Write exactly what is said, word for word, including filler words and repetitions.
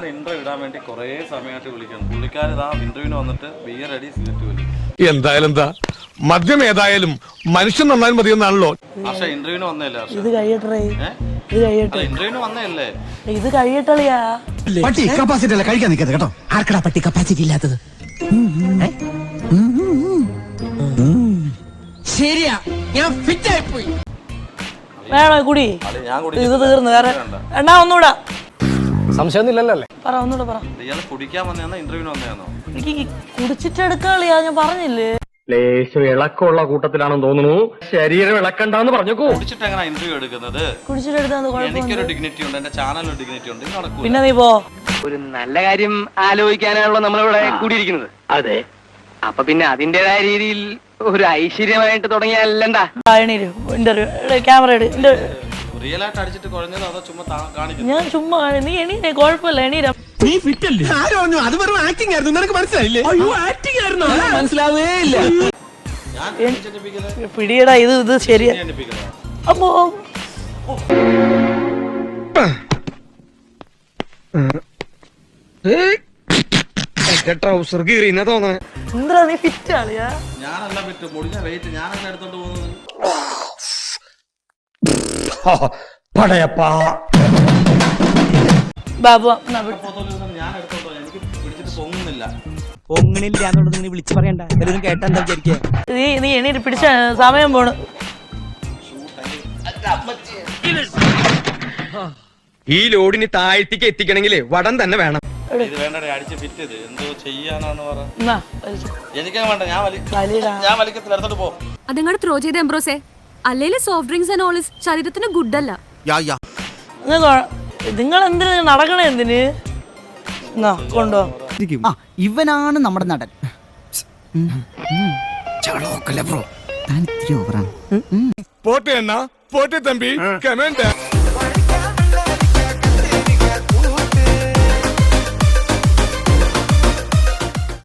ഞാൻ ഇന്റർവ്യൂ ഇടാൻ വേണ്ടി കുറെ സമയമായിട്ട് വിളിക്കുന്നു. പുള്ളിക്കാരൻ ആ ഇന്റർവ്യൂവിന് വന്നിട്ട് ബിയർ അടി സിഗരറ്റ് വലി. എന്തായാലും എന്താ മദ്യം ഏതായാലും മനുഷ്യൻ നന്നായി മതിയെന്നാണല്ലോ. പക്ഷെ ഇന്റർവ്യൂവിന് വന്നല്ലേ? ഇത് കഴിയട്ടെ, ഇത് കഴിയട്ടെ. ഇന്റർവ്യൂവിന് വന്നല്ലേ? ഇത് കഴിയട്ടളിയാ. പട്ടി കപ്പാസിറ്റി അല്ല കഴിക്കാൻ നിൽക്കരുത് കേട്ടോ. ആർക്കടാ പട്ടി കപ്പാസിറ്റി ഇല്ലാത്തത്? ശരിയാ, ഞാൻ ഫിറ്റ് ആയി പോയി. വേണോ കുടി? ഇത് തീർന്നു. വേറെ എണ്ണാ ഒന്നുകൂടാ. സംശയമൊന്നുമില്ലല്ലോ അല്ലേ? പറ ഒന്നുകൂടെ പറ. ഇയാള് കുടിക്കാൻ വന്നതാണോ ഇന്റർവ്യൂവിന് വന്നതാണോ? എനിക്ക് കുടിച്ചിട്ട് എടുക്കാളിയാ, ഞാൻ പറഞ്ഞില്ലേ. ലേശം ഇളക്കമുള്ള കൂട്ടത്തിലാണെന്ന് തോന്നുന്നു. ശരീരം ഇളക്കണ്ടെന്ന് പറഞ്ഞേക്കൂ. കുടിച്ചിട്ട് എങ്ങനെ ഇന്റർവ്യൂ എടുക്കുന്നത്? കുടിച്ചിട്ട് എടുത്താൽ എനിക്കൊരു ഡിഗ്നിറ്റി ഉണ്ട്, എന്റെ ചാനലിന് ഡിഗ്നിറ്റി ഉണ്ട്. ഇത് നടക്കൂല. പിന്നെ നീ പോ. ഒരു നല്ല കാര്യം ആലോചിക്കാനാണല്ലോ നമ്മളിവിടെ കൂടിയിരിക്കുന്നത്. അതെ. അപ്പൊ പിന്നെ അതിന്റേതായ രീതിയിൽ ഒരു ഐശ്വര്യമായിട്ട് തുടങ്ങിയല്ലണ്ടാ. എണീര്, ഇന്റർവ്യൂ ക്യാമറ എടു. റിയൽ ആയിട്ട് അടിച്ചിട്ട് കുഴഞ്ഞതോ അതോ ചുമ്മാ കാണിക്കുന്നു? ഞാൻ ചുമ്മാ, നീ എണീരെ, കുഴപ്പമില്ല, എണീര. നീ ഫിറ്റ് അല്ലേ? ആരോ പറഞ്ഞു അത് വെറും ആക്ടിംഗ് ആയിരുന്നു. നിനക്ക് മനസ്സിലായില്ലേ? അയ്യോ ആക്ടിംഗ് ആയിരുന്നു, മനസ്സിലാവേ ഇല്ല. പിടിയടാ, ഇത് ഇത് ശരിയാ. അപ്പോ ട്രൗസർ കീറിയെന്നാ തോന്നണേ. എന്താ നീ ഫിറ്റ് ആളിയാ? ഞാനല്ല പറ്റും മുടിഞ്ഞ വെയിറ്റ് ഞാനല്ല എടുത്തോണ്ട് പോകുന്നത്. ബാബു ഞാൻ എടുത്തോണ്ടോ? എനിക്ക് പിടിച്ചിട്ട് പൊങ്ങുന്നില്ല. പൊങ്ങണില്ല എന്നുള്ളത് നീ വിളിച്ചു പറയണ്ട. എല്ലാവരും കേട്ടാ എന്താ വിചാരിക്കുക? നീ നീ എണീര്, പിടിച്ച സമയം പോണ്. ഈ ലോഡിന് താഴ്ത്തിക്ക് എത്തിക്കണമെങ്കിലേ വടം തന്നെ വേണം. ഇത് വേണ്ടേ അടിച്ച് ഫിറ്റ് ചെയ്ത് എന്തോ ചെയ്യാനാണ് പറ. എന്നാ വലിച്ചോ. എനിക്കാ വേണ്ട, ഞാൻ വലി വലിയടാ. ഞാൻ വലിക്കത്തില്ല, എടുത്തോണ്ട് പോ. അതങ്ങോട്ട് ത്രോ ചെയ്ത് എംബ്രോസേ. അല്ലേലും soft drinks and all is ശരീരത്തിന് ഗുഡ് അല്ല. നിങ്ങൾ എന്തിന് നടക്കണേ? എന്തിന് കൊണ്ടോ? ഇവനാണ് നമ്മുടെ നടൻ. പോട്ടെ അണ്ണാ, പോട്ടെ തമ്പി, കമന്റ്.